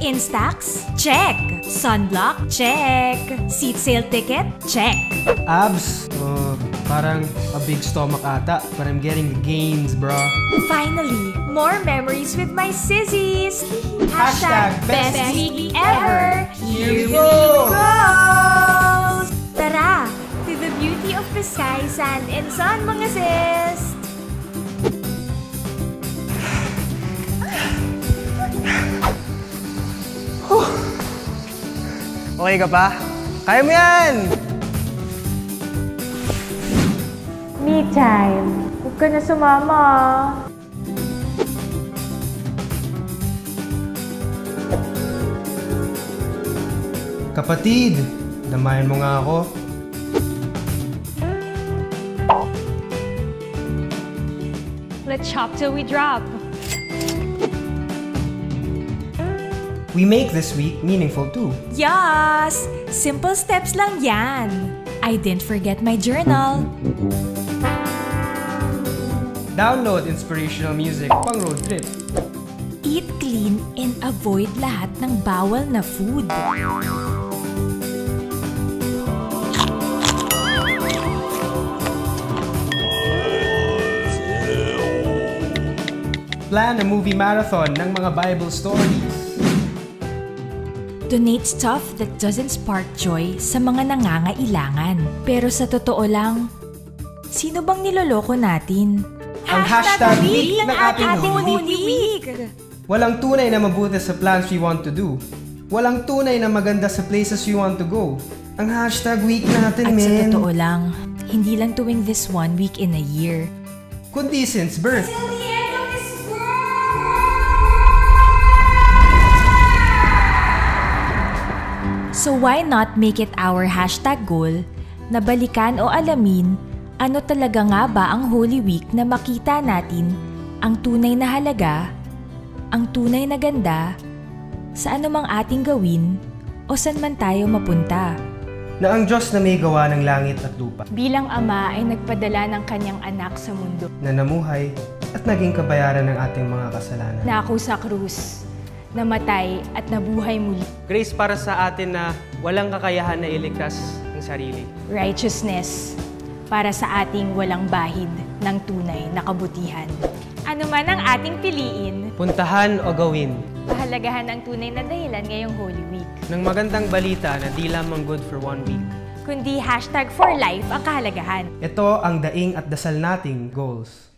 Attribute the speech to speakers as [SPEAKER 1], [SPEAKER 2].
[SPEAKER 1] Instax? Check! Sunblock? Check! Seat sale ticket? Check!
[SPEAKER 2] Abs? Parang a big stomach ata, but I'm getting the gains, bro.
[SPEAKER 1] Finally, more memories with my sissies!
[SPEAKER 2] Hashtag
[SPEAKER 1] best week ever!
[SPEAKER 2] Here we go!
[SPEAKER 1] Tara! To the beauty of the sky, sand, and sun, mga sis!
[SPEAKER 2] Okay ka pa? Kaya mo yan!
[SPEAKER 1] Me time. Huwag ka na sumama.
[SPEAKER 2] Kapatid, damayan mo nga ako.
[SPEAKER 1] Let's shop till we drop.
[SPEAKER 2] We make this week meaningful too.
[SPEAKER 1] Yes! Simple steps lang yan. I didn't forget my journal.
[SPEAKER 2] Download inspirational music pang road trip.
[SPEAKER 1] Eat clean and avoid lahat ng bawal na food.
[SPEAKER 2] Plan a movie marathon ng mga Bible stories.
[SPEAKER 1] Donate stuff that doesn't spark joy sa mga nangangailangan. Pero sa totoo lang, sino bang niloloko natin?
[SPEAKER 2] Ang hashtag week ng ating
[SPEAKER 1] Holy Week!
[SPEAKER 2] Walang tunay na mabuti sa plans we want to do. Walang tunay na maganda sa places we want to go. Ang hashtag week natin,
[SPEAKER 1] At
[SPEAKER 2] men.
[SPEAKER 1] sa totoo lang, hindi lang tuwing this 1 week in a year.
[SPEAKER 2] Kundi since birth.
[SPEAKER 1] So why not make it our hashtag goal na balikan o alamin ano talaga nga ba ang Holy Week na makita natin ang tunay na halaga, ang tunay na ganda, sa anumang ating gawin o saan man tayo mapunta.
[SPEAKER 2] Na ang Diyos na may gawa ng langit at lupa.
[SPEAKER 1] Bilang Ama ay nagpadala ng kanyang anak sa mundo.
[SPEAKER 2] Na namuhay at naging kabayaran ng ating mga kasalanan.
[SPEAKER 1] Nako sa krus, namatay at nabuhay muli.
[SPEAKER 2] Grace para sa atin na walang kakayahan na iligtas ang sarili.
[SPEAKER 1] Righteousness para sa ating walang bahid ng tunay na kabutihan. Ano man ang ating piliin,
[SPEAKER 2] Puntahan o gawin
[SPEAKER 1] pahalagahan ang tunay na dahilan ngayong Holy Week.
[SPEAKER 2] ng magandang balita na di lamang good for 1 week.
[SPEAKER 1] Kundi hashtag for life ang kahalagahan.
[SPEAKER 2] Ito ang daing at dasal nating goals.